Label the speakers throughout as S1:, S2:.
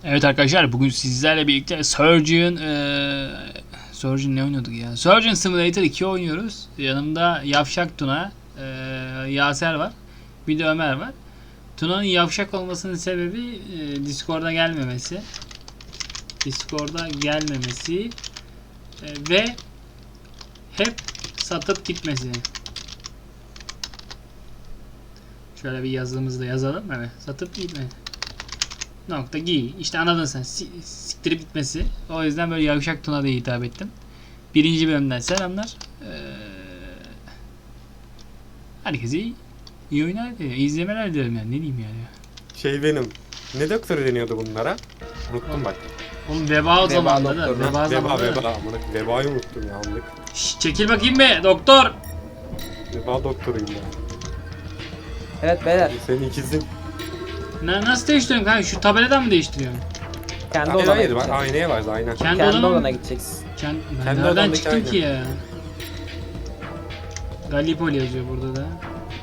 S1: Evet arkadaşlar, bugün sizlerle birlikte Surgeon ne oynuyorduk ya? Surgeon Simulator 2 oynuyoruz. Yanımda Yavşak Tuna, Yaser var. Bir de Ömer var. Tuna'nın yavşak olmasının sebebi Discord'a gelmemesi. Ve hep satıp gitmesi. Şöyle bir yazımızı da yazalım. Evet, satıp gitme. Nokta giy. İşte anladın sen. Siktirip gitmesi. O yüzden böyle Yavşak Tuna diye hitap ettim. Birinci bölümden selamlar. Herkese iyi oyunlar dilerim. İzlemeler dilerim yani. Ne diyeyim yani.
S2: Benim. Ne doktoru deniyordu bunlara? Unuttum bak.
S1: Oğlum veba zamanında da.
S2: Veba. Vebayı unuttum ya anlık.
S1: Şşş, çekil bakayım be doktor.
S2: Veba doktoruyum ben.
S3: Evet beyler.
S2: Senin ikizin.
S1: Nasıl değiştiriyorum kanka? Şu tabeladan mı değiştiriyorum?
S3: Kendi
S2: Hayır
S3: odana
S2: hayır bak
S3: gideceksin.
S2: aynaya var aynen.
S1: Kendi
S3: Kendi
S1: odama
S3: odana
S1: mı?
S3: gideceksin.
S1: Ben
S2: Kendi
S1: nereden
S2: odamdaki
S1: çıktım
S2: ayna.
S1: ki ya? Gallipoli yazıyor burada da.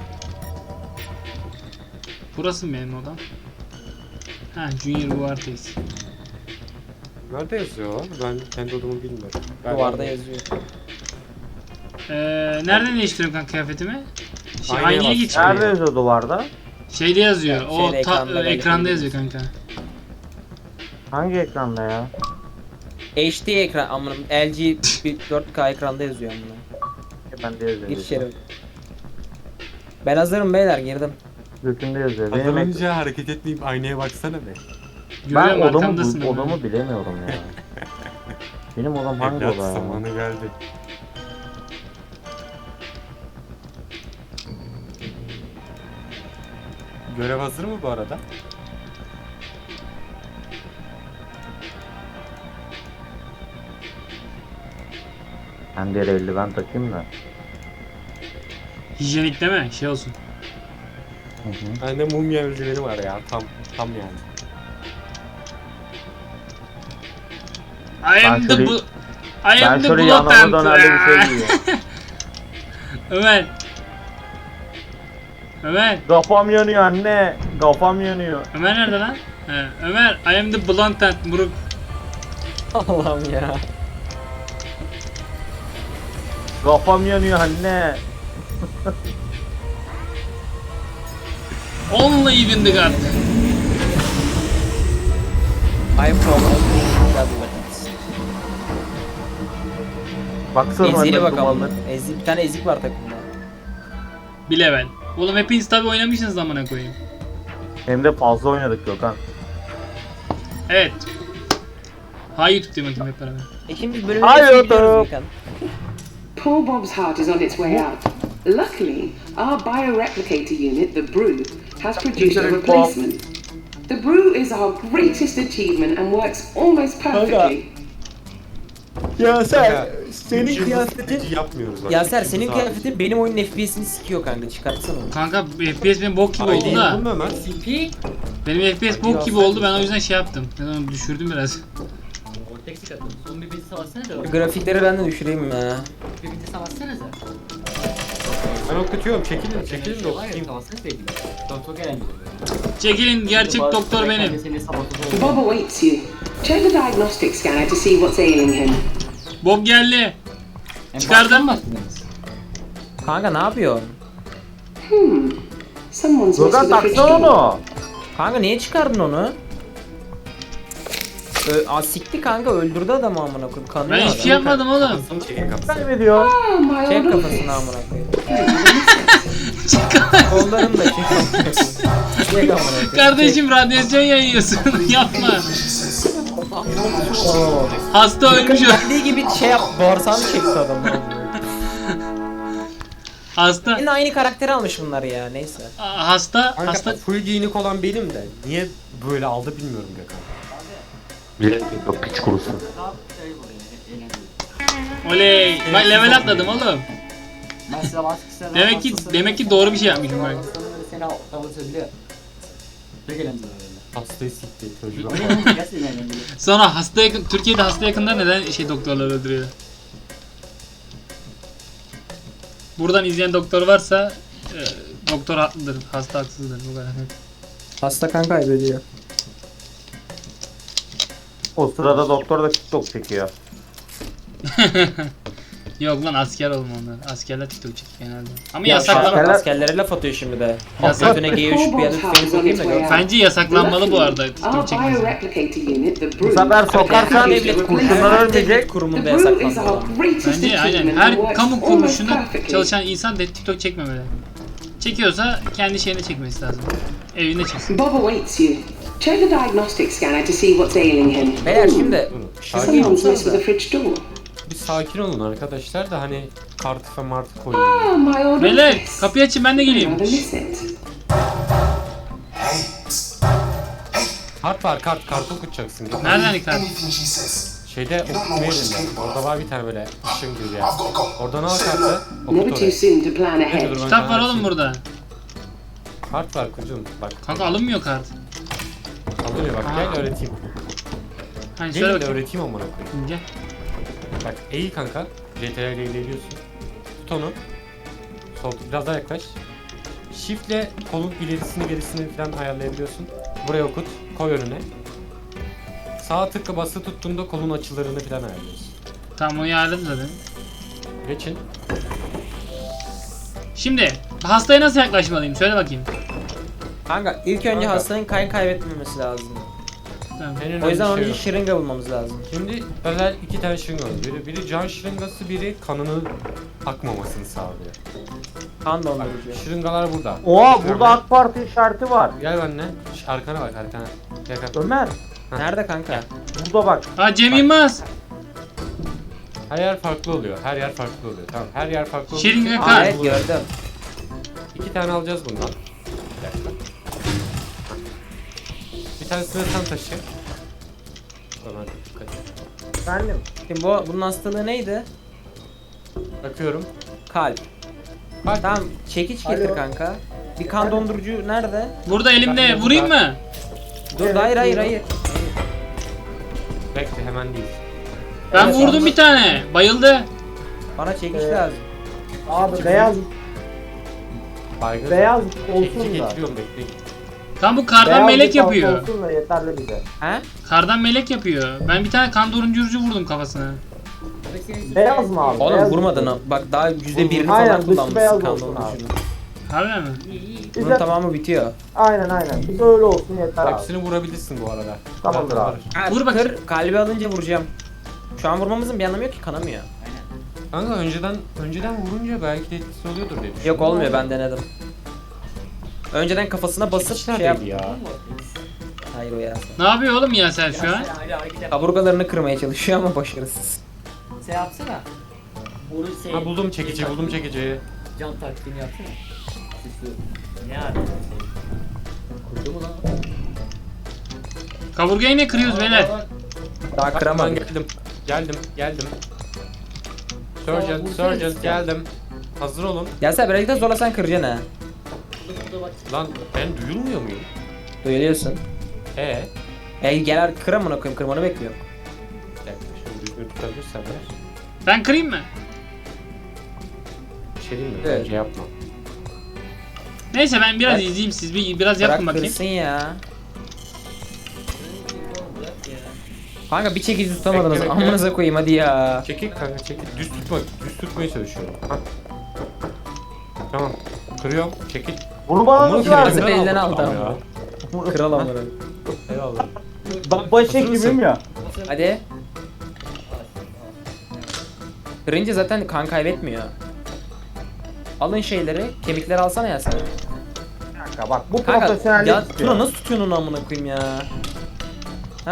S1: Burası mı benim odam? Ha, Junior Vuartes.
S2: Nerede yazıyor o? Ben kendi odamı bilmiyorum.
S3: Duvarda yazıyor.
S1: Nereden değiştiriyorum kanka kıyafetimi?
S2: Aynaya
S1: Aynaya
S2: bas.
S1: geçiyor.
S4: Nerede yazıyor duvarda?
S1: Şeyde yazıyor.
S3: Yani
S1: O
S3: şeyde, ekranda
S1: ekranda
S3: belki
S1: yazıyor kanka.
S4: Hangi ekranda ya?
S3: HD ekran amına LG 4K ekranda yazıyor amına.
S4: Ben de yazıyor.
S3: Gir içeri. Ben hazırım beyler girdim.
S4: Gökünde yazıyor.
S2: Az
S4: Benim
S2: önce hareket etmeyip aynaya baksana be.
S1: Görüyorum,
S4: ben
S1: arkamdasın ama.
S4: odamı bilemiyorum ya. Benim odam hangi
S2: Evlat
S4: oda ya?
S2: zamanı geldi. Görev hazır mı bu arada?
S4: Ben de eldiven takayım da.
S1: Hijyenik değil mi? Şey olsun.
S4: Hı hı.
S2: Bende mumya öldüreni var ya tam yani.
S1: I am
S4: Ben
S1: the
S4: şöyle-
S1: bu... I
S4: Ben
S1: am the
S4: şöyle yanıma
S1: Bloodhound.
S4: dönerli bir şey giyiyorum.
S1: Ömer. Ömer.
S4: Kafam yanıyor anne. Kafam yanıyor.
S1: Ömer nerede lan? Ömer, I am the Bloodhound. Muruk.
S3: Allah'ım ya.
S4: Kafam yanıyor anne.
S1: Only even the God.
S3: I'm from
S4: Baksana
S3: Ezi'ye
S4: anne
S3: bakalım.
S4: dumanlar.
S3: Bir tane ezik var takımda.
S1: Bir level. Oğlum hepiniz tabi oynamışsınız amına koyayım.
S4: Hem de fazla oynadık Gökhan.
S1: Evet. Hayır tutayım bakayım hep beraber.
S3: Şimdi bölümü
S4: Hayır,
S3: hepsini biliyoruz
S4: tamam.
S3: Gökhan.
S5: Poor Bob's heart is on its way out. Luckily, our bioreplicator unit, the Brew, has produced a replacement. The Brew is our greatest achievement and works almost perfectly.
S3: Ya
S2: Senin kıyafeti yapmıyoruz bak.
S3: Yaser senin
S2: İkimiz
S3: kıyafetin benim oyunun FPS'ini sikiyor kanka çıkartsana onu.
S1: Kanka FPS benim bok gibi
S2: Ay,
S1: oldu
S2: değil
S1: da.
S2: mi Ömer?
S1: Benim FPS bok gibi oldu, ben o yüzden şey yaptım. Ben onu düşürdüm biraz.
S6: Vortex'i katın. Son bir bizi savaşsana da.
S3: Grafikleri ben de düşüreyim ya.
S6: Bir bizi savaşsanıza.
S2: Ben okutuyorum çekilin de
S6: Hayır
S2: okutayım.
S6: savaşsanız değil. Doktor gelen
S1: Çekilin, gerçek doktor benim.
S6: Seni sabotajı
S5: Bob awaits you. Check the diagnostic scanner to see what's ailing him.
S1: Bob geldi. Çıkardım.
S3: Kanka ne yapıyor?
S5: Someone's messed
S4: Gökhan
S5: with the fridge
S4: taksana
S5: door.
S4: onu.
S3: Kanka niye çıkardın onu? Sikti kanka öldürdü adamı amına koyayım. Kanıyor
S1: Ben
S3: adam.
S1: hiçbir şey yapmadım oğlum.
S2: Kafasını çekin kafasını.
S4: Kaybediyor.
S5: Ah, my
S3: Çek
S5: old
S3: kafasını
S5: office.
S3: amına koyayım. Kollarını da çek. Çek amına koyayım.
S1: Kardeşim radyasyon yayıyorsun. Yapma. Hasta ölmüş o.
S3: Geldiği gibi şey yap. Bağırsağını çekti adam.
S1: Hasta.
S3: Yine aynı karakteri almış bunlar ya neyse.
S1: Hasta.
S2: Kanka full giyinik olan benim de. Niye böyle aldı bilmiyorum Gökhan.
S4: Yok piç kurusu.
S1: Oley. Bak level atladım oğlum.
S6: Ben size baskısı
S1: Demek ki doğru bir şey yapmışım ben.
S6: Seni davulsabiliyor. Ne gelen böyle.
S2: Hastayı sikti çocuğu.
S6: Gerçekten yani.
S1: Sonra hasta yakın, Türkiye'de hasta yakınlar neden doktorlar öldürüyor? Buradan izleyen doktor varsa doktor haklıdır, hasta haksızdır bu kadar.
S3: Hasta kan kaybediyor.
S4: O sırada doktor da TikTok çekiyor.
S1: Yok lan asker olma onlar. Askerler TikTok çekiyor genelde. Ama
S3: Ya
S1: yasaklan.
S3: askerler, askerlere laf atıyor şimdi de.
S1: Yasak.
S3: Götüne G3 bir adet film sokayım da gör.
S1: Bence yasaklanmalı bu arada
S5: Our
S1: TikTok çekmesi.
S5: bioreplicator unit, the
S4: Bu
S5: Brew,
S4: sefer sokarsan
S3: Devlet
S4: kurşunlar ölmeyecek.
S5: the
S3: kurumunda
S5: Brew is
S3: yasaklandı.
S5: our greatest
S1: Bence aynen
S5: achievement and
S1: her
S5: works
S1: kamu
S5: almost
S1: kuruluşunda
S5: perfectly.
S1: çalışan insan da TikTok çekmemeli. Çekiyorsa kendi şeyine çekmesi lazım. Evinde çeksin.
S5: Bob awaits you. Check the diagnostic scanner to see what's ailing him.
S3: Beyler şimdi
S2: Sakin
S5: Someone's
S2: olun.
S5: messed with the fridge door.
S2: Bir sakin olun arkadaşlar da hani kartı ve martı koyun.
S5: Ah, my old
S1: Beyler
S5: office.
S1: kapıyı açın ben de geleyim.
S5: Rather miss it.
S2: Kart var kart. Kartı okutacaksın. Git.
S1: Nereden kart?
S2: Şeyde okutma yerinde. Orada var bir tane böyle ışın gibi ya. Oradan al kartı.
S5: Never
S2: Okut
S5: too
S2: oraya.
S5: soon to plan
S2: Neyse,
S5: ahead.
S2: dur ben
S1: Kitap
S2: sana
S1: var oğlum
S2: açayım.
S1: burada.
S2: Kart var kucum. Bak.
S1: Kanka alınmıyor kart.
S2: Alıyor bak
S1: Aa.
S2: gel öğreteyim.
S1: Hani
S2: Değil
S1: söyle
S2: de
S1: bakayım.
S2: öğreteyim amına koyayım.
S1: Gel.
S2: Bak eğil kanka. CTRL ile ilerliyorsun. Tut onu. Sol biraz daha yaklaş. Shift'le kolun ilerisini gerisini falan ayarlayabiliyorsun. Buraya okut. Koy önüne. Sağ tıkla bası tuttuğunda kolun açılarını falan ayarlıyorsun.
S1: Tamam onu ayarladım zaten.
S2: Geçin.
S1: Şimdi hastaya nasıl yaklaşmalıyım? Söyle bakayım.
S3: kanka ilk önce
S2: Kanka.
S3: hastanın kan kaybetmemesi lazım.
S1: Tamam.
S2: En önemli
S3: O yüzden
S2: şey
S3: onun için
S2: yok.
S3: şırınga bulmamız lazım.
S2: Şimdi özel iki tane şırınga var. Biri can şırıngası, biri kanının akmamasını sağlıyor.
S3: Kan
S2: Bak,
S3: dondurucu.
S2: şırıngalar burada.
S4: Oha burada AK Parti işareti var.
S2: Gel benimle. Arkana bak arkana. Gel gel.
S4: Ömer
S3: Nerede kanka?
S4: burada bak.
S1: Aa Cem Yılmaz.
S2: Her yer farklı oluyor. Her yer farklı oluyor. Tamam her yer farklı oluyor.
S1: Şırınga
S3: Aa,
S1: kan.
S3: evet gördüm.
S2: İki tane alacağız bundan. Bir dakika. Bir tanesini sen taşı. Tamam dikkat et.
S4: Efendim.
S3: Şimdi bunun hastalığı neydi?
S2: Bakıyorum.
S3: Kalp.
S2: Bak.
S3: Tamam çekiç getir
S4: Alo.
S3: kanka. Bir kan dondurucu nerede?
S1: Burada elimde vurayım mı?
S3: Dur hayır.
S2: Bekle hemen değil.
S1: Ben
S3: Evet,
S1: vurdum
S3: abi.
S1: bir tane. Bayıldı.
S3: Bana çekiç
S4: Evet.
S3: lazım.
S4: Abi beyaz
S2: Baygın.
S4: beyaz
S2: Çekici
S4: olsun da.
S2: getiriyorum bekleyin.
S1: Tam bu kardan
S4: Beyaz
S1: melek
S4: bir tavuk
S1: yapıyor.
S4: olsun da yeterli bize.
S3: He?
S1: Kardan melek yapıyor. Ben bir tane kan dondurucu vurdum kafasına.
S4: Beyaz mı abi?
S3: Oğlum
S4: Beyaz
S3: vurmadın
S4: mı?
S3: ha. Bak daha %1'ini
S4: Aynen,
S3: falan
S4: dışı
S3: kullanmışsın
S4: beyaz
S3: kan
S4: olsun
S3: dondurucunu.
S1: Harbiden mi?
S3: Bunun
S4: Bize,
S3: tamamı bitiyor.
S4: aynen. Bize öyle olsun yeter abi.
S2: Hepsini vurabilirsin bu arada.
S4: Tamamdır
S2: Zaten
S4: abi.
S2: var.
S3: Ha,
S1: Vur bakayım.
S3: kalbi alınca vuracağım. Şu an vurmamızın bir anlamı yok ki kanamıyor.
S2: Kanka önceden vurunca belki de etkisi oluyordur diye düşünüyorum.
S3: Yok olmuyor ben denedim. Önceden kafasına basıp
S2: Çekiç
S3: şey yap.
S2: neredeydi ya?
S3: Hayır o ya.
S1: Ne yapıyor oğlum ya sen şu an?
S3: Kaburgalarını kırmaya çalışıyor ama başarısız.
S6: Şey yapsana. Onu şey.
S2: Ha buldum çekici.
S6: Can taktiğini yapsana. Süslü. Ne abi? Kurdu mu lan?
S1: Kaburgayı ne kırıyoruz beyler?
S3: Daha
S2: Bak, ben
S3: kıramadık.
S2: geldim. Surgeon geldim. Hazır olun.
S3: Gelsene birazcık da zorlasan kıracaksın ha.
S2: Lan ben duyulmuyor muyum?
S3: Duyuluyorsun.
S2: Gel.
S3: Kır amına koyayım kırmanı bekliyorum.
S2: Bir dakika şunu düzgün tutabilirsen ver.
S1: Ben kırayım mı?
S2: Bir şey diyeyim mi?
S3: Evet.
S2: Bence yapma.
S1: Neyse ben biraz
S3: Ben-
S1: izleyeyim siz biraz yapın
S3: Bırak
S1: bakayım.
S3: kırsın ya. Kanka bir çekici tutamadınız.
S2: Bekle.
S3: Amınıza koyayım hadi ya.
S2: Çekil kanka çekil. Düz tutmaya çalışıyorum. Ha. Tamam. Kırıyorum. Çekil.
S4: Bunu bana
S2: Bunu
S4: nasıl
S3: kırarız.
S4: verdin?
S3: Elinden aldı
S2: Tamam
S3: ama.
S2: ya.
S3: Kral amına.
S2: Eyvallah.
S4: Bak başek
S2: Hazır mısın?
S4: gibiyim ya.
S3: Hadi. Kırınca zaten kan kaybetmiyor. Alın şeyleri, kemikleri alsana ya sen.
S4: Kanka bak bu
S3: Kanka
S4: profesyonellik
S3: ya
S4: istiyor.
S3: Tuna nasıl tutuyorsun onu amına koyayım ya? Ha?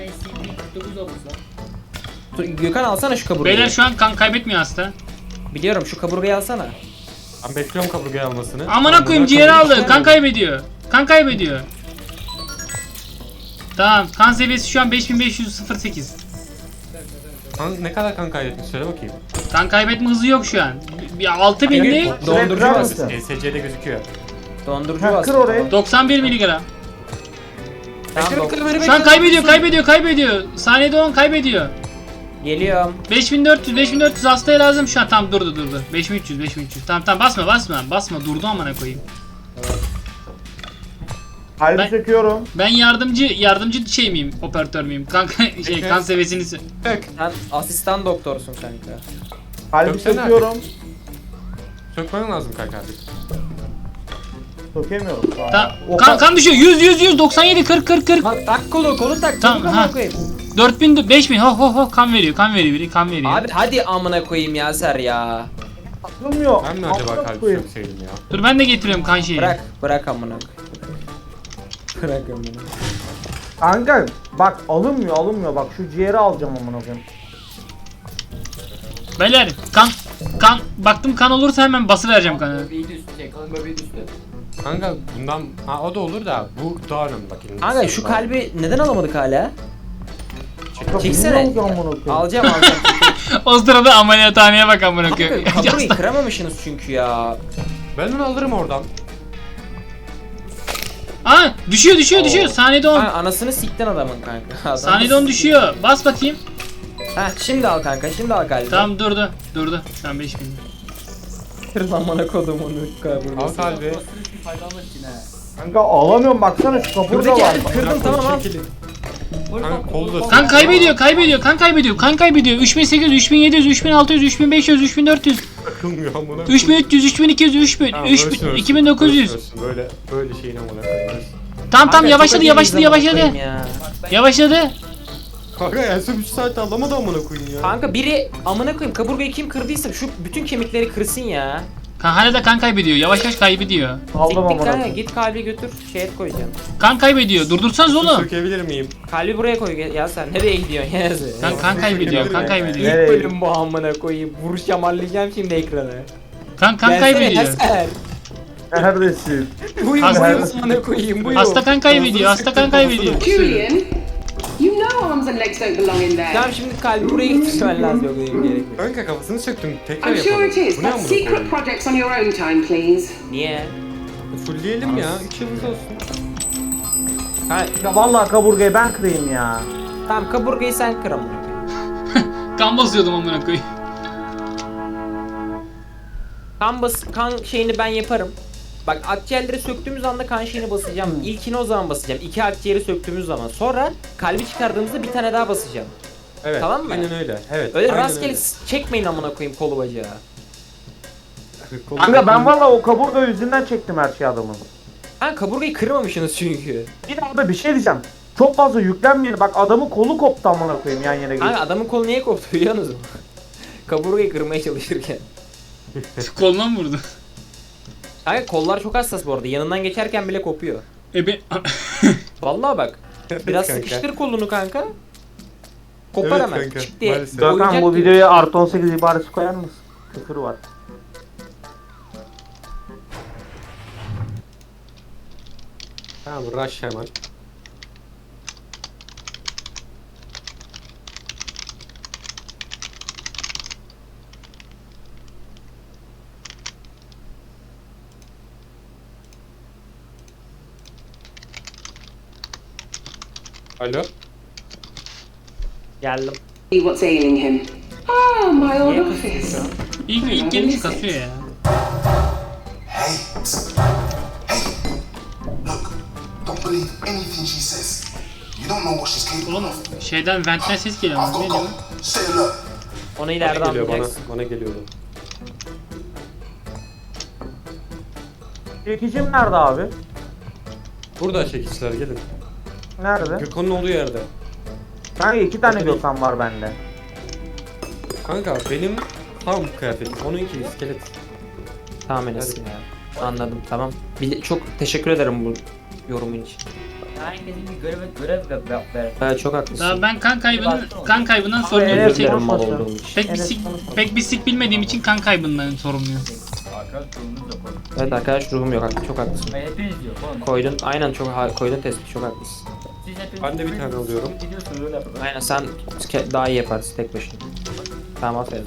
S3: Gökhan alsana şu kaburgayı.
S1: Beyler şu an kan kaybetmiyor hasta.
S3: Biliyorum şu kaburgayı alsana.
S2: Ben bekliyorum kaburgayı almasını.
S1: Amına koyayım ciğeri aldı. Kan kaybediyor. Kan kaybediyor. Tamam kan seviyesi şu an 5508.
S2: Ne kadar kan kaybettin söyle bakayım.
S1: Kan kaybetme hızı yok şu an. Bir 6000'li
S3: Dondurucu
S4: Kırar
S3: bas.
S4: mısın?
S2: ESC'de gözüküyor.
S3: Dondurucu
S4: Ha,
S3: bas.
S4: kır orayı.
S1: 91 miligram.
S3: Tamam,
S1: Şu an kaybediyor. Saniyede 10 kaybediyor.
S3: Geliyorum.
S1: 5400 hastaya lazım şu an. Tam durdu. 5300. Tamam basma. Basma durdu amına koyayım.
S7: Kalbi
S1: Ben-
S7: söküyorum.
S1: Ben yardımcı şey miyim? Operatör müyüm? Kanka şey kan seviyesini
S2: Sök.
S3: Sen asistan doktorsun kanka.
S7: Kalbi
S2: Söksene
S7: söküyorum.
S2: Sökmen lazım kanka artık.
S7: Sökemiyorum şu an.
S1: Tamam.
S7: O
S1: Kan düşüyor. 100 97 40.
S3: Tak kolu tak.
S1: Tamam,
S3: Tamam,
S1: ha.
S3: amına koyayım.
S1: 4000 5000 ho kan veriyor biri kan veriyor.
S3: Abi hadi amına koyayım Yaser ya.
S7: Atılmıyor.
S2: Ben mi acaba
S7: Amına
S2: kalbi
S7: koyayım.
S2: sökseydim ya?
S1: Dur ben de getiriyorum kan şeyi.
S3: Bırak amına koyayım. Bırak amına.
S7: Kanka bak alınmıyor bak şu ciğeri alacağım amına koyayım.
S1: Beyler kan baktım kan olursa hemen basıvereceğim kanı.
S6: Böbreği de üstü çek. Kalın böbreği de üstü.
S2: Kanka bundan o da olur da bu daha önemli bak. elimde.
S3: Kanka şu kalbi neden alamadık hala?
S7: Kanka
S3: Çeksene.
S7: bilmiyorum ki amına koyayım.
S3: Alacağım.
S1: O sırada ameliyathaneye bak amına koyayım.
S3: Kanka kaburayı kıramamışsınız çünkü ya.
S2: Ben onu alırım oradan.
S1: Aa düşüyor. Saniyede 10.
S3: Ha, anasını sikten adamın kanka. Adam-
S1: Saniyede 10 düşüyor. Bas bakayım.
S3: Ha şimdi al kanka şimdi al kalbi.
S1: Tamam durdu. Şu an 5000.
S3: Kır lan bana kodumun
S2: Al
S3: kaburgası.
S2: kalbi.
S6: Basın üstü faydalanmak için he.
S7: Kanka alamıyorum baksana şu kaburga
S3: Buradaki
S7: var.
S3: herif kırdım tamam al.
S2: Kanka kolu da
S1: Kan kaybediyor. 3800, 3700, 3600, 3500, 3400,
S2: Takılmıyor amına.
S1: 3300, 3200, 3000,
S2: Tamam,
S1: 3000,
S2: ölsün,
S1: 2900.
S2: ölsün. Böyle şeyin amına koyayım.
S1: Tamam
S3: Kanka, çok
S1: yavaşladı.
S3: acemiyiz amına koyayım ya.
S1: Yavaşladı.
S2: Kanka en son 3 saat alamadı amına koyayım ya.
S3: Kanka biri amına koyayım kaburgayı kim kırdıysa şu bütün kemikleri kırsın ya.
S1: Hala da kan kaybediyor. Yavaş kaybediyor.
S7: Aldım
S3: Siktik
S7: amına
S3: kanka
S7: koyayım.
S3: git kalbi götür şeye koyacağım.
S1: Kan kaybediyor. Durdursanız oğlum.
S2: Sökebilir miyim?
S3: Kalbi buraya koy ya sen nereye gidiyorsun ya sen?
S1: Kan kaybediyor.
S3: İlk
S7: Nereye?
S3: bölüm bu amına koyayım. Vuruş yamarlayacağım şimdi ekrana.
S1: Kan
S3: Gelsene
S1: kaybediyor.
S3: Eser.
S7: Neredesin?
S3: Buyur
S1: Hasta-
S3: buyur amına koyayım buyur.
S1: Hasta kan kaybediyor.
S5: Julian, you know arms and legs don't belong in there.
S3: Tamam şimdi kalbi buraya getirmen lazım yok benim gerek yok.
S2: Kanka kafasını söktüm. Tekrar
S5: I'm sure
S2: yapalım.
S5: it is,
S2: Bu ne
S5: but
S2: amına
S5: secret
S2: koyayım?
S5: projects on your own time, please.
S3: Niye?
S2: Fullleyelim ya. 3 yıldız olsun.
S3: Ha,
S7: Ya vallahi kaburgayı ben kırayım ya.
S3: tamam kaburgayı sen kır amına koyayım.
S1: Kan basıyordum amına koyayım.
S3: Kan şeyini ben yaparım. Bak akciğerleri söktüğümüz anda kan şeyini basacağım. İlkini o zaman basacağım. 2 akciğeri söktüğümüz zaman. Sonra kalbi çıkardığımızda bir tane daha basacağım.
S2: Evet.
S3: Tamam mı?
S2: Aynen öyle. Evet.
S3: Öyle
S2: aynen
S3: rastgele çekmeyin amına koyayım kolu bacağı.
S2: öyle. Kolu-
S7: Kanka ben vallahi o kaburga yüzünden çektim her şeyi adamın.
S3: Ha kaburgayı kırmamışsınız çünkü.
S7: Bir de abi bir şey diyeceğim. Çok fazla yüklenmeyin. Bak adamın kolu koptu amına koyayım yan yana
S3: Kanka
S7: gelip.
S3: adamın kolu niye koptu biliyor musun? Kaburgayı kırmaya çalışırken.
S1: Koluna mı vurdu?
S3: Kanka kollar çok hassas bu arada. Yanından geçerken bile kopuyor.
S1: Ben...
S3: Vallahi bak. Biraz
S2: kanka.
S3: sıkıştır kolunu kanka. Kopar
S2: Evet
S3: hemen.
S2: kanka,
S3: Çık diye.
S2: maalesef.
S7: Gökhan
S3: oyuncak
S7: bu
S3: gibi.
S7: videoya artı 18 ibaresi koyar mısın? Küfür var.
S2: Tamam rush hemen. Alo.
S3: Geldim.
S5: See what's ailing him. Ah, my old
S3: Niye
S5: office.
S3: kızıyorsun?
S1: İlk gelince kasıyor ya.
S8: Hey, look, don't believe anything she says. You don't know what she's capable
S1: Oğlum
S8: of.
S1: şeyden ventten ses geliyor
S8: I've
S1: ama
S8: got
S1: ne diyor?
S8: cover. Stay alert.
S3: Onu ileride
S2: Bana geliyor bana.
S3: anlayacaksın.
S2: Bana geliyordu.
S7: Çekicim nerede abi?
S2: Burada çekişler gelin.
S7: Nerede?
S2: Gökhan'ın olduğu yerde.
S7: Kanka 2 tane Gökhan var bende.
S2: Kanka benim tam kıyafetim. Onunki iskelet.
S3: Tamam Enes ya. Anladım tamam. Çok teşekkür ederim bu yorumun için.
S6: Herkesin bir görev ver.
S3: Evet çok haklısın.
S1: Daha ben kan kaybından sorumluyum.
S7: Evet,
S3: Özür dilerim mal
S7: konuşma.
S3: olduğum için.
S1: Pek bir sik bilmediğim için kan kaybından sorumluyum.
S6: Arkadaş sorunuz yok oğlum.
S3: Evet arkadaş ruhum yok çok haklısın.
S6: Hayır, hepiniz yok oğlum.
S3: Koydun aynen koydun tespit çok haklısın.
S6: Siz hepiniz
S2: Ben de bir tane alıyorum.
S6: gidiyorsunuz öyle yapın.
S3: Aynen sen daha iyi yaparsın tek başına. Tamam aferin.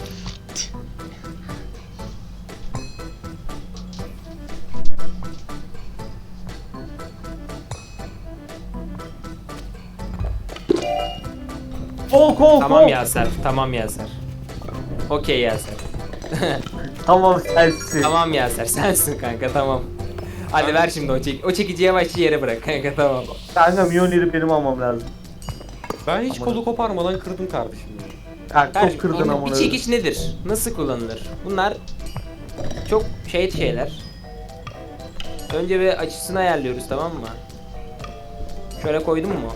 S7: Kol
S3: Tamam Yaser, tamam Yaser. Okey Yaser.
S7: Tamam sensin.
S3: Tamam Yaser, sensin kanka tamam. Hadi ver şimdi o çekiciye başlı yere bırak kanka tamam.
S7: Kanka Mjolnir'i benim almam lazım.
S2: Ben hiç kolu koparmadan kırdım kardeşim ya.
S7: Kanka
S3: Her
S7: çok kırdın ama.
S3: bir çekiç nedir? Nasıl kullanılır? Bunlar çok şeyler. Önce bir açısını ayarlıyoruz tamam mı? Şöyle koydun mu?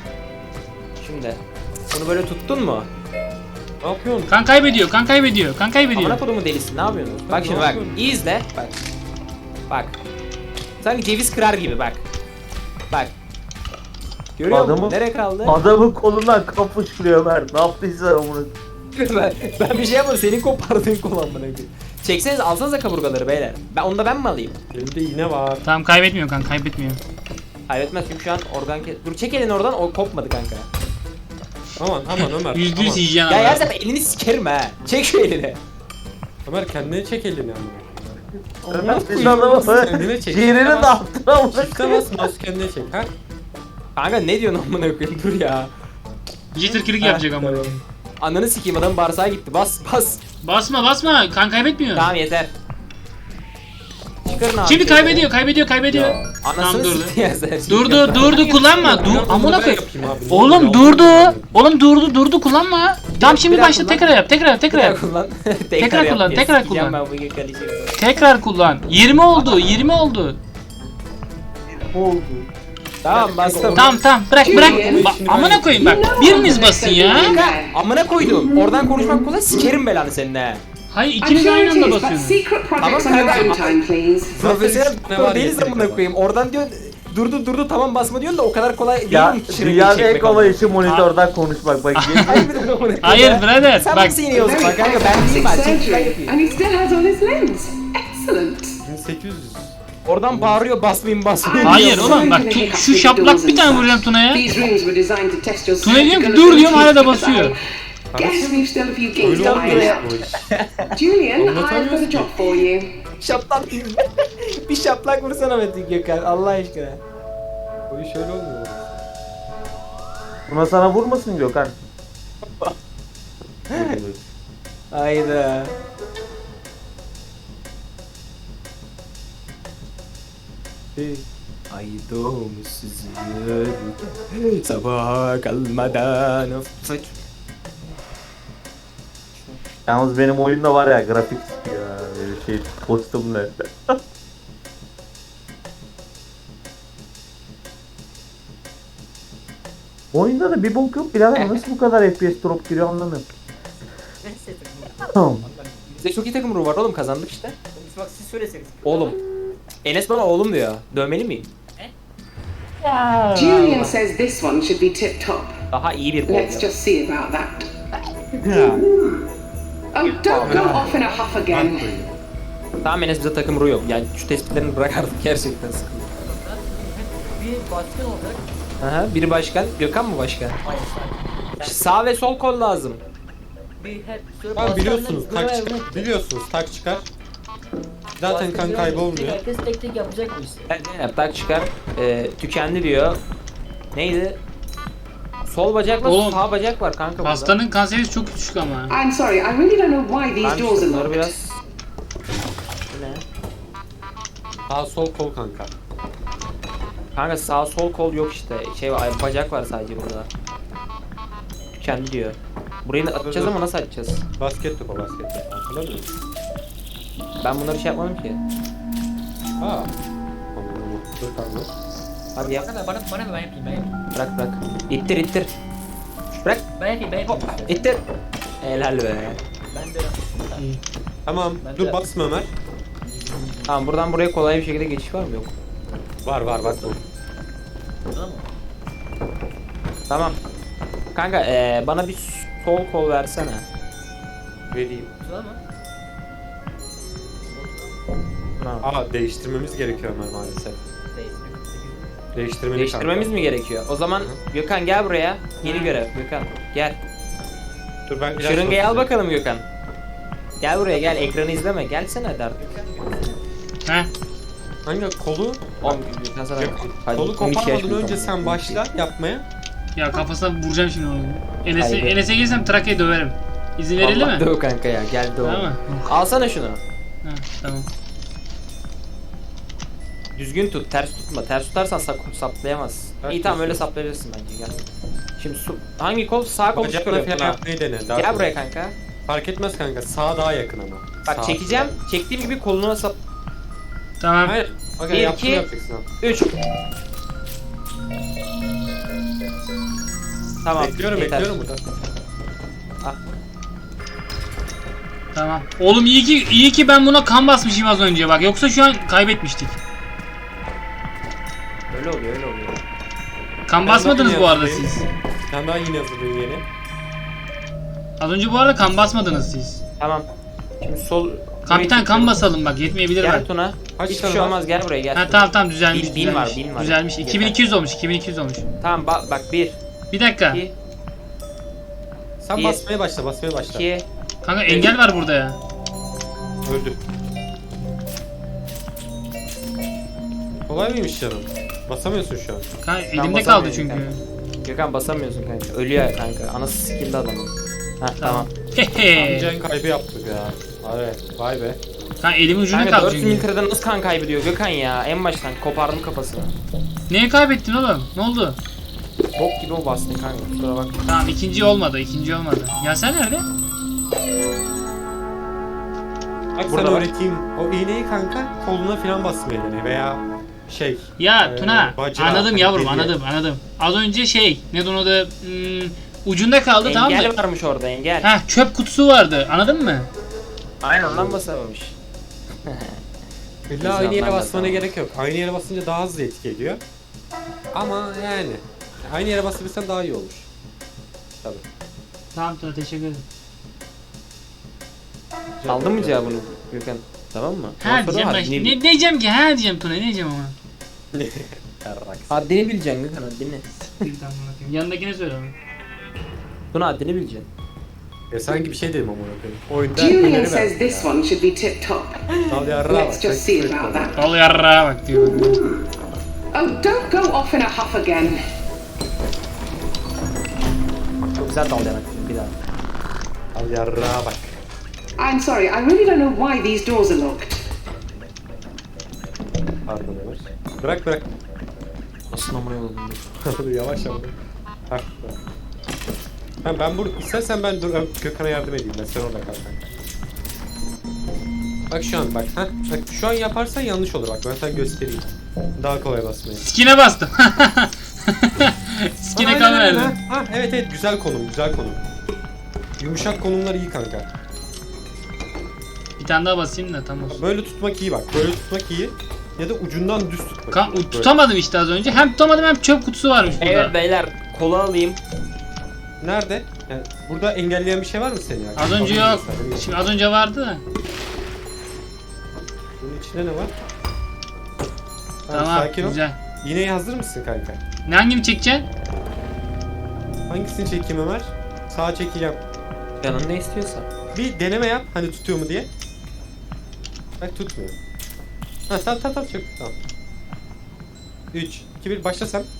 S3: Şimdi bunu böyle tuttun mu?
S2: Ne yapıyorsun?
S1: Kan kaybediyor, kan kaybediyor, kan kaybediyor.
S3: Amına kodumu delisi ne yapıyorsun? Bak şimdi
S2: ne
S3: bak.
S2: yapıyorum?
S3: İyi izle. Bak. Bak. Sanki ceviz kırar gibi bak. Bak. Görüyor musun?
S7: Adamı-
S3: Nereye kaldı?
S7: Adamın kolundan kan fışkırıyor Ömer. Ne yaptıysa onu.
S3: ben bir şey yapmadım. Senin kopardığın kol amına koyayım. Çekseniz alsanıza kaburgaları beyler. Ben mi alayım?
S2: Elimde iğne var.
S1: Tamam kaybetmiyor kan, kaybetmiyor.
S3: Kaybetmez çünkü şu an dur çek elini oradan o kopmadı kanka.
S2: Aman Ömer.
S1: %100
S2: aman.
S1: yiyeceksin
S3: Ya
S1: ama.
S3: yersen elini sikerim ha. Çek şu elini.
S2: Ömer kendine çek elini ama.
S7: Ömer biz adamı
S2: Kendine çek.
S7: ciğerini dağıttın ama.
S2: İstemez mouse kendine çek ha.
S3: Kanka ne diyorsun amına koyayım dur ya.
S1: Jitter kilik yapacak ama.
S3: Ananı sikeyim adamın bağırsağı gitti. Bas.
S1: Basma basma, kan kaybetmiyor.
S3: Tamam yeter. Çıkarın abi.
S1: Şimdi
S3: şeyleri.
S1: kaybediyor.
S3: Anasını
S1: Tamam, durdu.
S3: sikti ya sen.
S1: Durdu kullanma. Dur amına
S2: Ben
S1: koy.
S2: yapayım abi.
S1: Oğlum durdu kullanma. Tamam şimdi
S3: Bir daha
S1: başla
S3: kullan.
S1: tekrar yap.
S3: Tekrar kullan.
S1: Tekrar
S3: yap
S1: kullan,
S3: diye
S1: tekrar
S3: sikeceğim
S1: kullan.
S3: Ben bugün kardeşim.
S1: Tekrar kullan. 20 oldu.
S7: Oldu.
S3: Tamam bastım.
S1: Tamam bırak. Amına koyayım bak. Biriniz basın ya.
S3: Amına koydum. Oradan konuşmak kolay sikerim belanı seninle.
S1: Hayır
S5: I'm
S1: ikiniz
S5: sure
S1: aynı
S5: it
S1: anda
S5: is, but
S1: basıyorsunuz.
S5: secret projects on your
S3: Tamam,
S5: own time, please.
S3: Profesyonel
S2: Ne var
S3: değiliz
S2: ya,
S3: amına koyayım. Oradan diyor durdu tamam basma diyorsun da o kadar kolay değil
S7: Ya
S3: mi? Şırıngayı
S7: dünyanın en
S3: çekmek
S7: kolay
S3: amına?
S7: işi monitörden konuşmak. Bak
S1: Hayır birader
S3: Sen
S1: bak.
S3: nasıl iniyorsun
S5: Very
S3: bak kanka
S5: fast
S3: ben değilim
S5: plastic
S3: ben çekip ben
S5: surgery,
S3: yapayım.
S5: and he still has on his lens. Excellent.
S2: 1800.
S3: Oradan bağırıyor basmayın.
S1: Hayır oğlum bak şu şaplak bir tane vuracağım Tuna'ya.
S5: These rooms were designed to test your
S1: Tuna diyorum ki
S5: surgical
S1: dur diyorum hala da
S5: abilities,
S1: basıyor.
S5: but I guess we've still a few gigs
S2: Öyle
S5: to
S2: olmuyor
S5: iron
S2: ya
S5: out.
S2: bu iş.
S5: Julian, I've got
S2: Anlatamıyoruz
S5: a
S2: ki.
S5: job for you.
S3: Şaplak bir şaplak vursana Metin Gökhan Allah aşkına.
S2: Bu iş öyle olmuyor.
S7: Buna sana vurmasın Gökhan.
S3: Hayda. Ay doğmuşsuz sabaha kalmadan of.
S7: Yalnız benim oyunda var ya grafik ya böyle şey kostümler. Oyunda da bir bok yok birader nasıl bu kadar FPS drop giriyor anlamıyorum.
S6: Neyse.
S7: Tamam.
S3: Bizde çok iyi takım ruhu var oğlum kazandık işte.
S6: Bak siz söyleseniz.
S3: Oğlum. Enes bana oğlum diyor. Dövmeli miyim?
S5: Julian says this one should be tip top.
S3: Daha iyi bir
S5: Let's
S3: kol.
S5: just see about that. Oh, don't go off in a huff again.
S3: Tamam Enes bize takım ruhu yok. Yani şu tespitlerini bırak artık gerçekten sıkıntı.
S6: Bir başkan olacak.
S3: Aha, biri başkan. Gökhan mı başkan?
S6: Hayır
S3: Sağ ve sol kol lazım.
S6: bir hep şöyle
S2: Tamam biliyorsunuz
S6: başkanla
S2: tak
S6: görev-
S2: çıkar. Biliyorsunuz tak çıkar. Zaten kan
S6: başkan
S2: kaybolmuyor.
S6: Herkes tek tek yapacak bu işi.
S3: Zeynep tak çıkar. Tükendi diyor. Neydi? Sol bacakla
S1: Oğlum,
S3: sağ bacak var kanka burada.
S1: Hastanın kanseri çok düşük ama.
S5: I'm sorry, I really don't know why these
S3: Ben
S5: doors are
S3: şunları
S5: locked.
S3: biraz... Bu ne?
S2: Sağ sol kol kanka.
S3: Kanka sağ sol kol yok işte. Şey var, bacak var sadece burada. Tükendi diyor. Burayı da atacağız ama nasıl atacağız?
S2: Basket topu. Hatırlamıyor musun?
S3: Ben bunları şey yapmadım ki.
S2: Aa. Anladım. Dur kanka.
S3: Hadi yap.
S6: Baksana bana ben yapayım.
S3: Bırak. İttir. Bırak.
S6: Ben yapayım işte.
S3: İttir. Helal be.
S6: Ben de
S2: Tamam.
S6: Ben
S2: Dur
S6: de-
S2: basma Ömer.
S3: Tamam buradan buraya kolay bir şekilde geçiş var mı? Yok.
S2: Var bak bu.
S6: tamam mı?
S3: Tamam. Kanka bana bir sol kol versene.
S2: Vereyim.
S6: Tamam mı?
S2: Aa değiştirmemiz gerekiyor Ömer maalesef.
S3: Değiştirmemiz mi gerekiyor? O zaman Gökhan gel buraya. Yeni görev Gökhan. Gel.
S2: Dur ben ilaç
S3: Şırıngayı al
S2: basacağım.
S3: bakalım Gökhan. Gel buraya gel ekranı izleme. Gelsene hadi artık.
S1: Heh.
S2: Hangi kolu?
S3: Oğlum Gökhan sana. Hadi,
S2: Kolu
S3: 12 yaş
S2: koparmadan
S3: büyük
S2: önce
S3: ama.
S2: sen başla yapmaya.
S1: Ya kafasına vuracağım şimdi onu.
S3: Haydi.
S1: Enes'e gelsem Trakya'yı döverim. İzin verildi
S3: Vallahi
S1: mi?
S3: döv kanka ya gel döv.
S1: Tamam mı?
S3: Alsana şunu.
S1: Ha, tamam.
S3: Düzgün tut, ters tutma. Ters tutarsan saplayamaz.
S2: Ters
S3: İyi tamam öyle
S2: tutuyorsun.
S3: saplayabilirsin bence gel. Şimdi hangi kol? Sağ kolu
S2: Bacakla
S3: çıkarıyor
S2: falan
S3: Tuna.
S2: yapmayı dene. Daha
S3: Gel
S2: kolay.
S3: buraya kanka.
S2: Fark etmez kanka. Sağ daha yakın ama.
S3: Bak
S2: Sağ.
S3: çekeceğim. Çektiğim gibi koluna sap.
S1: Tamam.
S2: Hayır. Bak
S3: Bir,
S2: yaptığını
S3: iki.
S2: yapacaksın abi.
S3: 3. Tamam.
S2: Bekliyorum
S3: yeter.
S2: bekliyorum burada.
S1: Tamam. Oğlum iyi ki ben buna kan basmışım az önce bak. Yoksa şu an kaybetmiştik.
S3: Öyle oluyor öyle oluyor.
S1: Kan
S2: Ben
S1: basmadınız
S2: daha
S1: bu arada
S2: yeni
S1: siz.
S2: Sen daha yeni hazırlayın yeni.
S1: Az önce bu arada kan basmadınız siz.
S3: Tamam. Şimdi sol.
S1: Kapitan kan basalım bak yetmeyebilir
S3: Gel
S1: bak.
S3: Tuna.
S2: Kaç
S3: Hiçbir
S2: tane
S3: şey
S2: var?
S3: olmaz gel buraya gel.
S1: Ha tamam düzelmiş
S3: Bin
S1: düzelmiş.
S3: var, bin var.
S1: Düzelmiş.
S3: Yeter.
S1: 2200 olmuş 2200 olmuş.
S3: Tamam bak 1,
S1: Bir dakika.
S3: 2,
S2: Sen
S3: Bir.
S2: basmaya başla.
S3: 2.
S1: Kanka engel var burada ya.
S2: Öldüm. Kolay mıymış canım? Basamıyorsun şu an.
S1: Kanka elimde
S3: basamıyorum
S1: kaldı çünkü.
S3: kanka. Gökhan basamıyorsun kanka. Ölüyor kanka. Anası sikildi adamın. Heh tamam.
S1: Hehe.
S2: Can kaybı yaptık ya. Evet, vay be.
S1: Kanka elimin ucunda
S3: Kanka
S1: kaldı
S3: 400
S1: çünkü.
S3: metreden nasıl kan kaybediyor Gökhan ya? En baştan kopardım kafasını.
S1: Neye kaybettin oğlum? Ne oldu?
S3: Bok gibi o bastın kanka. Kusura bak.
S1: Tamam ikinci olmadı. Ya sen nerede?
S2: Bak
S3: Burada
S2: sana
S3: bak.
S2: öğreteyim. O iğneyi kanka koluna falan basmayı dene veya şey.
S1: Ya Tuna
S2: bacağı,
S1: anladım
S2: hani
S1: yavrum
S2: deliğe.
S1: anladım. Az önce ne onun adı ucunda kaldı tamam
S3: Engel
S1: mı?
S3: varmış orada engel.
S1: Ha çöp kutusu vardı anladın mı?
S3: Aynen ondan basamamış.
S2: İlla aynı yere
S3: anlamda
S2: basmana
S3: tamam.
S2: gerek yok. Aynı yere basınca daha hızlı etki ediyor. Ama yani aynı yere basabilirsen daha iyi olur. Tabii.
S1: Tamam Tuna teşekkür ederim.
S3: Aldın mı cevabını Gökhan? Tamam mı?
S1: Ha
S3: Ondan sonra
S1: diyeceğim ben.
S3: haddini-
S1: Ne diyeceğim ki? Ha diyeceğim Tuna ne diyeceğim ama.
S3: Haddini bileceksin Gökhan haddini.
S1: Tamam bakayım. Yanındakine söyle ama.
S3: Bunu haddini bileceksin.
S2: Ya sanki bir şey dedim ama oyunda
S5: Julian
S2: öneri
S5: says
S2: verdim
S5: this
S2: ya.
S5: one should be tip top.
S2: Al yarrağa
S5: Let's
S2: bak,
S5: just
S2: çok
S5: see about that.
S1: Al yarrağa bak diyor.
S5: Oh, don't go off in a huff again.
S3: Çok güzel dal demek bir daha.
S2: Al yarrağa bak.
S5: I'm sorry, I really don't know why these doors are locked.
S2: Pardon Ömer. Bırak.
S3: Nasıl amına yolladım?
S2: Yavaş yavaş. Bak. Ben burada istersen ben Gökhan'a yardım edeyim. Ben sen orada kal kanka. Bak şu an bak. Bak şu an yaparsan yanlış olur bak. Ben sana göstereyim. Daha kolay basmayı.
S1: Skine bastım. Skine kan
S2: Aynen,
S1: verdim.
S2: evet güzel konum. Yumuşak konumlar iyi kanka.
S1: Bir tane daha basayım da tamam.
S2: Böyle tutmak iyi bak. Böyle tutmak iyi. Ya da ucundan düz tutmak.
S1: Kan,
S2: iyi. Böyle.
S1: tutamadım işte az önce. Hem tutamadım hem çöp kutusu varmış burada.
S3: Evet beyler kola alayım.
S2: Nerede? Yani burada engelleyen bir şey var mı seni ya?
S1: Az önce
S2: Bakayım
S1: yok.
S2: mesela.
S1: Şimdi az önce vardı da.
S2: Bunun içinde ne var?
S1: Tamam
S2: sakin ol.
S1: güzel.
S2: İğneye hazır mısın kanka?
S1: Ne hangini çekeceksin?
S2: Hangisini çekeyim Ömer? Sağa çekeceğim.
S3: Canın ne istiyorsa.
S2: Bir deneme yap hani tutuyor mu diye. Bak tutmuyor. Ha tamam çok tamam. 3, 2, 1 başla sen.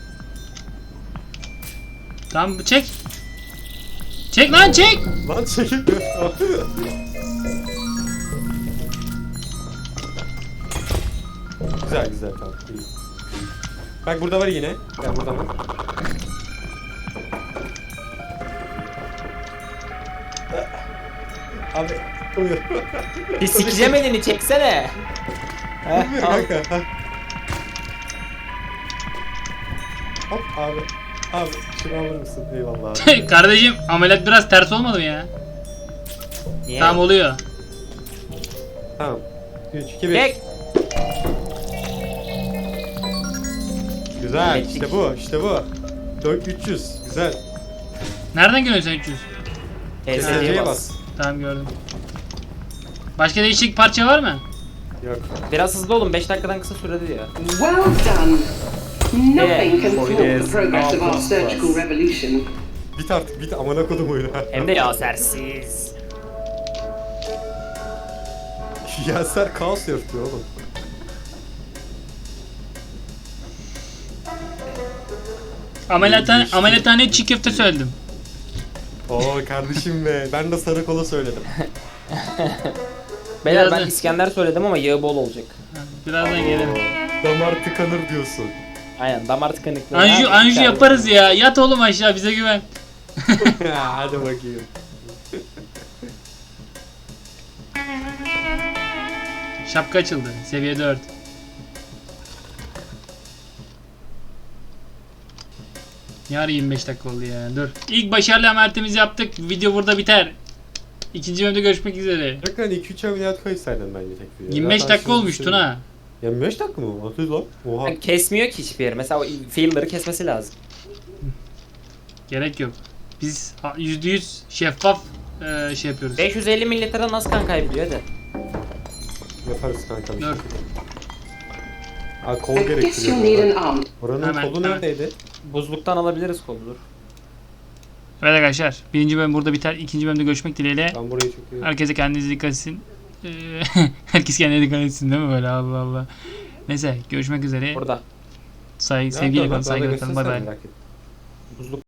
S1: Tamam çek. Çek lan çek.
S2: Lan çekilmiyor. güzel tamam. İyi. Bak burada var yine. Gel burada var. Abi uyuyor.
S3: Bir sikeceğim elini çeksene.
S2: Uyuyor kanka. Ha. Hop abi. Abi şunu alır mısın? Eyvallah abi.
S1: Kardeşim ameliyat biraz ters olmadı mı ya?
S3: Niye?
S1: Tamam oluyor.
S2: Tamam. 3, 2, 1.
S3: Çek.
S2: Güzel.
S3: Hallettik.
S2: İşte bu. 4300. Güzel.
S1: Nereden görüyorsun sen 300?
S3: TSC'ye
S2: TSC'ye
S3: bas.
S2: bas.
S1: Tamam gördüm. Başka değişik parça var mı?
S2: Yok.
S3: Biraz hızlı olun 5 dakikadan kısa sürede diyor.
S5: Well done. Nothing can
S3: Yeah.
S5: thwart the progress of our surgical revolution.
S2: Bit artık bit amına kodum oyunu.
S3: Hem de yasersiz.
S2: Yaser kaos yaratıyor oğlum.
S1: Ameliyathaneye çiğ köfte söyledim.
S2: Oo kardeşim be. Ben de sarı kola söyledim.
S3: Beyler ben
S1: Birazdan-
S3: İskender söyledim ama yağı bol olacak.
S1: Birazdan gelirim.
S2: Damar tıkanır diyorsun.
S3: Aynen damar tıkanıklığı.
S1: Anju yaparız ya. Yat oğlum aşağı, bize güven.
S2: Hadi bakayım.
S1: Şapka açıldı. Seviye 4. Yarın 25 dakika oldu ya. Dur. İlk başarılı ameliyatımızı yaptık. Video burada biter. İkinci bölümde görüşmek üzere.
S2: Yakın 2-3 ameliyat koysaydın bence tek video.
S1: 25
S2: Zaten
S1: dakika
S2: şimdi
S1: olmuş
S2: düşünün.
S1: Tuna.
S2: 25 dakika mı? Atıyor lan. Oha.
S3: Yani kesmiyor ki hiçbir yeri. Mesela o filler'ı kesmesi lazım.
S1: Gerek yok. Biz %100 şeffaf şey yapıyoruz.
S3: 550 mililitre nasıl kan kaybediyor hadi.
S2: Yaparız kanka bir şey.
S1: Dur.
S2: Aa, kol
S5: I guess you'll need
S2: gerektiriyor.
S5: an arm.
S2: Oranın
S1: Hemen,
S2: kolu
S1: hemen.
S2: neredeydi?
S3: Buzluktan alabiliriz koludur.
S1: Evet arkadaşlar. Birinci bölüm burada biter. İkinci bölümde görüşmek dileğiyle.
S2: Ben burayı çok iyi.
S1: Herkese kendinize dikkat etsin. Herkes kendine dikkat etsin değil mi böyle, Allah Allah. Neyse görüşmek üzere.
S3: Burada.
S1: Sevgiyle kalın, saygıyla kalın. Bay bay.
S3: Buzluk